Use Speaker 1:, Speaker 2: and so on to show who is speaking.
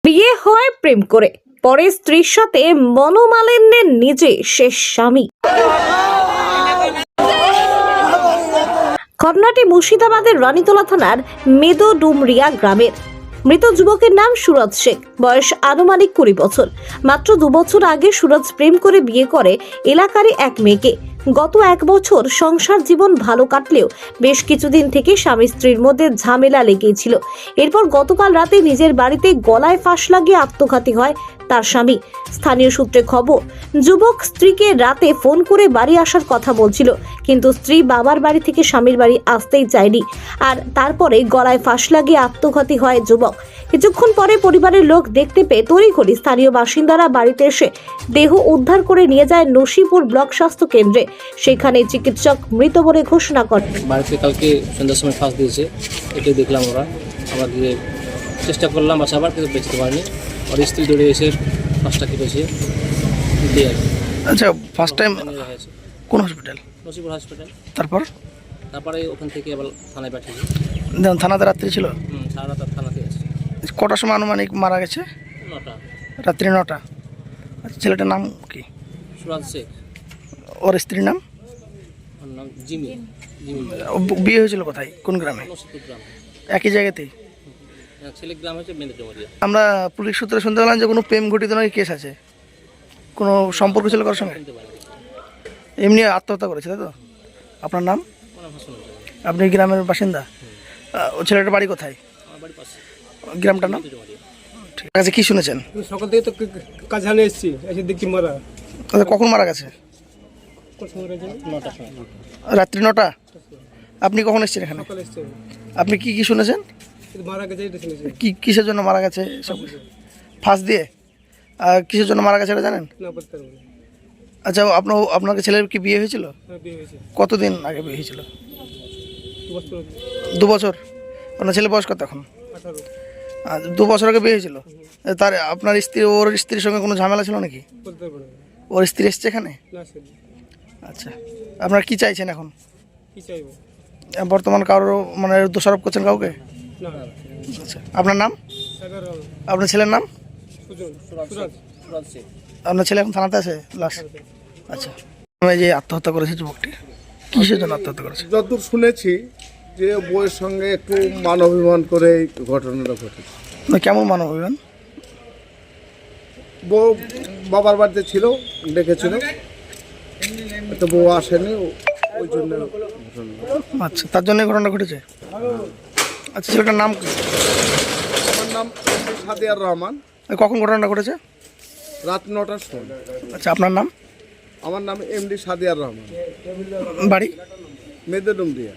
Speaker 1: বিয়ে হয় প্রেম করে, পরে স্ত্রীর সাথে মনোমালিন্যে নিজে শেষ স্বামী। ঘটনাটি মুর্শিদাবাদের রানীতলা থানার মেদোডুমরিয়া গ্রামের। মৃত যুবকের নাম সুরজ শেখ, বয়স আনুমানিক 20 বছর। মাত্র 2 বছর আগে সুরজ প্রেম করে বিয়ে করে এলাকারই এক মেয়েকে। গত 1 বছর সংসার জীবন ভালো কাটলেও বেশ কিছুদিন থেকে স্বামী স্ত্রীর মধ্যে ঝামেলা লেগেই ছিল। এরপর গতকাল রাতে নিজের বাড়িতে গলায় ফাঁস লাগিয়ে আত্মঘাতী হয় তার স্বামী। স্থানীয় সূত্রে খবর, যুবক স্ত্রীকে রাতে ফোন করে বাড়ি আসার কথা বলছিল, কিন্তু স্ত্রী বাবার বাড়ি থেকে স্বামীর বাড়ি আসতেই চায়নি। আর তারপরে গলায় ফাঁস লাগিয়ে আত্মঘাতী হয় যুবক। কিছুক্ষণ পরে পরিবারের লোক দেখতে পেয়ে তড়িঘড়ি স্থানীয় বাসিন্দারা বাড়িতে এসে দেহ উদ্ধার করে নিয়ে যায় নসিপুর ব্লক স্বাস্থ্য কেন্দ্রে। সেখানে চিকিৎসক মৃত বলে ঘোষণা করেন।
Speaker 2: বাড়িতে কালকে সন্ধ্যার সময় ফাঁস দিয়েছে, এটাই দেখলাম। আমরা দিয়ে চেষ্টা করলাম বাঁচাবার, কিন্তু বেঁচতে পারিনি। আর স্ত্রী দৌড়ে এসে ফাঁসটা কেটেছে।
Speaker 3: আচ্ছা, ফার্স্ট টাইম কোন হসপিটাল?
Speaker 2: নসিপুর হসপিটাল।
Speaker 3: তারপরে
Speaker 2: ওখান থেকে আবার থানায় পাঠিয়েছি।
Speaker 3: থানাতে রাত্রি ছিল?
Speaker 2: সারা রাত থানাতে আছে।
Speaker 3: কটার সময় আনুমানিক মারা গেছে?
Speaker 2: 9টা।
Speaker 3: রাত্রি 9টা। আচ্ছা, ছেলেটার নাম কি?
Speaker 2: সুরজ শেখ।
Speaker 3: ওর স্ত্রীর নাম?
Speaker 2: ওর নাম জিমি।
Speaker 3: বিয়ে হয়েছিল কোথায়, কোন গ্রামে?
Speaker 2: নসিপুর গ্রাম।
Speaker 3: একই জায়গাতেই?
Speaker 2: ছেলে গ্রাম হচ্ছে মেদিনীপুর।
Speaker 3: আমরা পুলিশ সূত্রে শুনতে পেলাম যে কোনো প্রেম ঘটিত নাকি কেস আছে, কোনো সম্পর্ক ছিল কারোর সঙ্গে? এমনি আত্মহত্যা করেছে, তাই তো? আপনার নাম? আপনি গ্রামের বাসিন্দা? ও ছেলেটার বাড়ি কোথায়?
Speaker 2: আমার বাড়ির পাশে।
Speaker 3: গ্রামটার নাম? ঠিক আছে, কি শুনেছেন?
Speaker 4: সকাল থেকে তো কাজ হানে এসেছি, এসে দেখছি মারা।
Speaker 3: কখন মারা গেছে?
Speaker 2: 9টার সময়।
Speaker 3: রাত্রি 9টা। আপনি কখন এসেছেন এখানে?
Speaker 4: সকালে এসছে,
Speaker 3: আপনি কি কি শুনেছেন?
Speaker 4: মারা গেছে এটা শুনেছি।
Speaker 3: কি কিসের জন্য মারা গেছে? সব ফাঁস দিয়ে? আর কিসের জন্য মারা গেছে এটা জানেন?
Speaker 4: না বলতে পারবো না।
Speaker 3: আচ্ছা, আপনার ছেলের কি বিয়ে হয়েছিল?
Speaker 4: হ্যাঁ, বিয়ে হয়েছে
Speaker 3: কতদিন আগে বিয়ে হয়েছিল?
Speaker 4: 2 বছর আগে।
Speaker 3: 2 বছর। আপনার ছেলে বয়স কত এখন?
Speaker 4: 18
Speaker 3: আর 2 বছর আগে বিয়ে হয়েছিল। তার আপনার স্ত্রী, ওর স্ত্রীর সঙ্গে কোনো ঝামেলা ছিল নাকি?
Speaker 4: বলতে পারবো না।
Speaker 3: ওর স্ত্রী এসছে এখানে?
Speaker 4: না সেটা
Speaker 3: আচ্ছা, আপনারা কি চাইছেন এখন?
Speaker 4: কি চাইবো?
Speaker 3: বর্তমান কারো মানে দোষারোপ করছেন কাউকে?
Speaker 4: না।
Speaker 3: আচ্ছা, আপনার নাম?
Speaker 4: সাগর রাও,
Speaker 3: আপনার ছেলের নাম?
Speaker 4: সুজন,
Speaker 2: সুরজ শেখ।
Speaker 3: আপনার ছেলে এখন থানাতে আছে লাশ? আচ্ছা, এই যে আত্মহত্যা করেছে যুবকটি, কিসের জন্য আত্মহত্যা করেছে?
Speaker 5: যতদূর শুনেছি যে বউয়ের সঙ্গে একটু মানবিমান করে এই ঘটনাটা ঘটেছে।
Speaker 3: না, কেমন মানব অভিমান?
Speaker 5: বউ বাবার বাড়িতে ছিল, ডেকেছিল, তো বউ আসেনি, ওই জন্য ঘটনা।
Speaker 3: আচ্ছা, তার জন্য ঘটনা ঘটেছে। আচ্ছা, ছেলেটার নাম কি?
Speaker 5: আমার নাম সাদিয়ার রহমান।
Speaker 3: কখন ঘটনাটা ঘটেছে?
Speaker 5: রাত 9টার সময়।
Speaker 3: আচ্ছা, আপনার নাম?
Speaker 5: আমার নাম এমডি সাদিয়ার রহমান,
Speaker 3: বাড়ি?
Speaker 5: মেদোডুমরিয়া।